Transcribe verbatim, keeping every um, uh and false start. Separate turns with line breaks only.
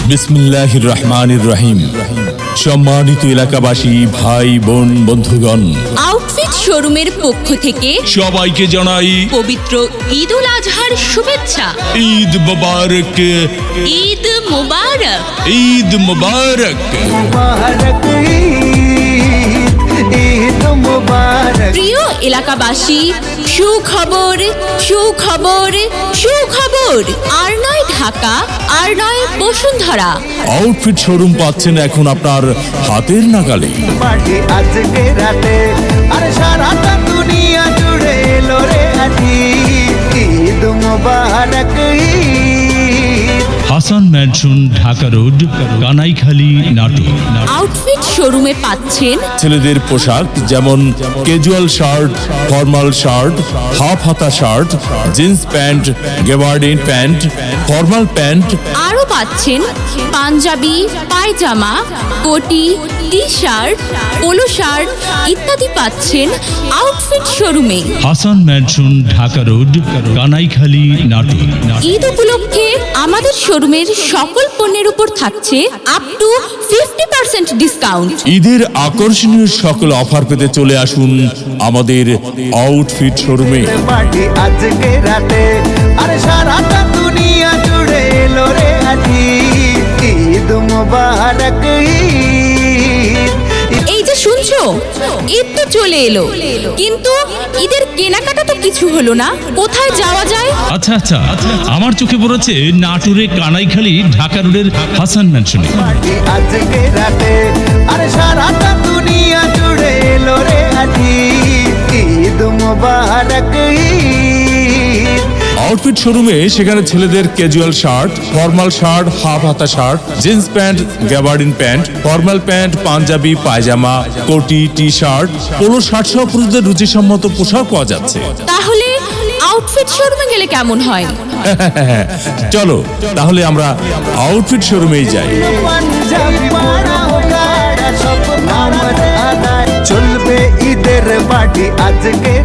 বিসমিল্লাহির রহমানির রহিম। সম্মানিত এলাকাবাসী, ভাই বোন, বন্ধুগণ,
আউটফিট শোরুমের পক্ষ থেকে
সবাইকে জানাই
পবিত্র ঈদ উল আজহার শুভেচ্ছা।
ঈদ মুবারক,
ঈদ মুবারক।
ঈদ মুবারক।
মুবারক ঈদ, ঈদ মুবারক।
প্রিয় এলাকাবাসী, সুখবর সুখবর সুখবর। আর নয় ঢাকা, আর নয় বসুন্ধরা।
আউটফিট শোরুম পাচ্ছেন এখন আপনার হাতের নাগালে।
পার্টি আজকে রাতে, আরে সারাটা দুনিয়া জুড়ে এলো রে আজি। ঈদ মুবারক Eid.
Hasan mansion, Dhaka road, Kanaikhali, Natore.
Outfit শোরুমে পাচ্ছেন
ছেলেদের পোশাক যেমন casual shirt, formal shirt, half হাতা shirt, jeans pant, gabardine pant, formal pant,
আরও পাচ্ছেন পাঞ্জাবি, পায়জামা, কোটি, টি শার্ট, পোলো শার্ট ইত্যাদি পাচ্ছেন আউটফিট শোরুমে।
Hasan mansion, Dhaka road, Kanaikhali, Natore.
ঈদ উপলক্ষে আমাদের শোরুমের সকল পণ্যের উপর থাকছে up to fifty percent discount.
ঈদের আকর্ষণীয় সকল অফার পেতে চলে আসুন আমাদের আউটফিট শোরুমে।
পার্টি আজকে রাতে, আরে সারাটা দুনিয়া জুড়ে এলো রে আজি। ঈদ মুবারক ঈদ।
এই যে শুনছো, ঈদ তো চলে এলো, কিন্তু ঈদের কেনাকাটা তো কিছু হলো না। কোথায় যাওয়া যায়?
আচ্ছা আচ্ছা আমার চোখে পড়েছে নাটোরে কানাইখালী ঢাকা রোডের হাসান ম্যানশনে।
পার্টি আজকে রাতে, আরে সারাটা দুনিয়া জুড়ে এলো রে আজি। ঈদ মুবারক ঈদ।
আউটফিট শোরুমে সেখানে ছেলেদের casual shirt, formal shirt, half হাতা shirt, jeans pant, gabardine pant, formal pant, Punjabi, pyjama, কোটি, টি শার্ট, পোলো শার্ট সহ পুরুষদের রুচিসম্মত পোশাক পাওয়া যাচ্ছে।
তাহলে আউটফিট শোরুমে গেলে কেমন হয়?
চলো তাহলে আমরা আউটফিট শোরুমেই যাই।
পাঞ্জাবি পরা গাড়া সব নামাজ আদায়। চলবে ঈদের পার্টি আজকে